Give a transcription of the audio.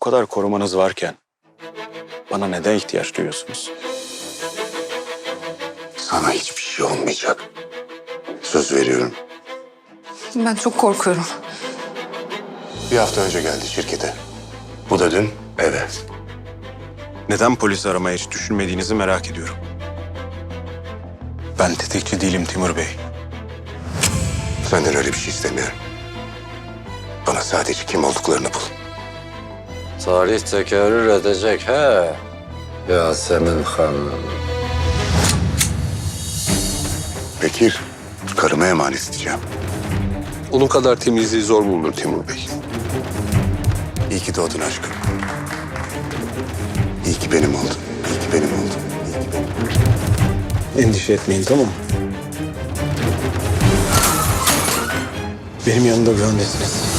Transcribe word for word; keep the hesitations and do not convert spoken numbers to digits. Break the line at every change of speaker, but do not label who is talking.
kadar korumanız varken bana neden ihtiyaç duyuyorsunuz?
Sana hiçbir şey olmayacak. Söz veriyorum.
Ben çok korkuyorum.
Bir hafta önce geldi şirkete. Bu da dün eve.
Neden polis aramaya hiç düşünmediğinizi merak ediyorum. Ben tetikçi değilim Timur Bey.
Senden öyle bir şey istemiyorum. Bana sadece kim olduklarını bul.
Tarih tekerrür edecek he. Yasemin Hanım.
Bekir, karıma emanet edeceğim.
Onun kadar temizliği zor bulunur Timur Bey.
İyi ki doğdun aşkım. İyi ki benim oldun. İyi ki benim oldun. İyi ki benim.
Endişe etmeyin, tamam mı? Benim yanımda güvendesiniz.